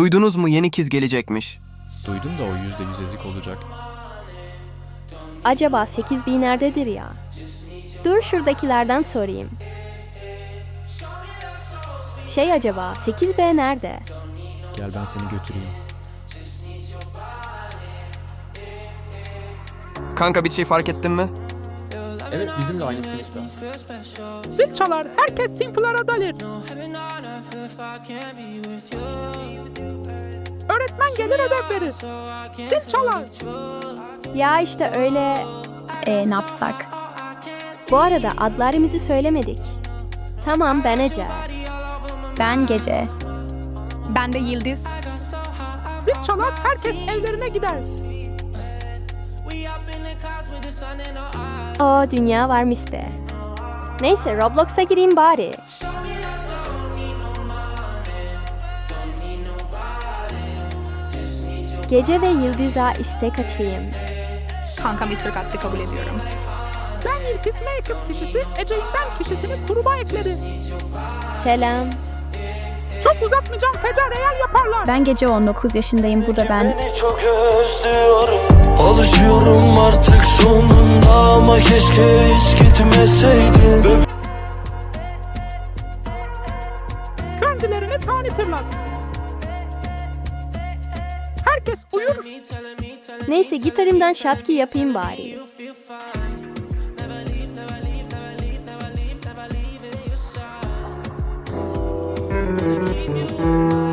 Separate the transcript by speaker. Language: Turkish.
Speaker 1: Duydunuz mu, yeni kız gelecekmiş.
Speaker 2: Duydum da o %100 ezik olacak.
Speaker 3: Acaba 8000 nerededir ya? Dur şuradakilerden sorayım. Acaba 8B nerede?
Speaker 2: Gel ben seni götüreyim.
Speaker 1: Kanka bir şey fark ettin mi?
Speaker 4: Evet, bizimle aynı sınıfta.
Speaker 5: Zil çalar, herkes sinflara dalir. Öğretmen gelir ödev verir. Zil çalar.
Speaker 3: Ya işte öyle...
Speaker 6: Ne yapsak?
Speaker 3: Bu arada adlarımızı söylemedik. Tamam, ben Ece.
Speaker 6: Ben Gece.
Speaker 7: Ben de Yıldız.
Speaker 5: Zil çalar, herkes evlerine gider.
Speaker 3: O dünya varmış be. Neyse, Roblox'a gireyim bari. Gece ve Yıldız'a istek atayım.
Speaker 7: Kankam istek attı, kabul ediyorum.
Speaker 5: Ben Yıldız make-up kişisi, Ece'nin ben kişisini kuruma ekledi.
Speaker 3: Selam.
Speaker 5: Çok uzatmayacağım, fecar eğer yaparlar.
Speaker 6: Ben Gece 19 yaşındayım, bu da ben.
Speaker 8: Seni çok özlüyorum. Alışıyorum artık sonunda ama keşke hiç gitmeseydin.
Speaker 5: Kendilerini tanıtırlar. Herkes uyur.
Speaker 3: Neyse, gitarımdan şatki yapayım bari.
Speaker 8: Keep you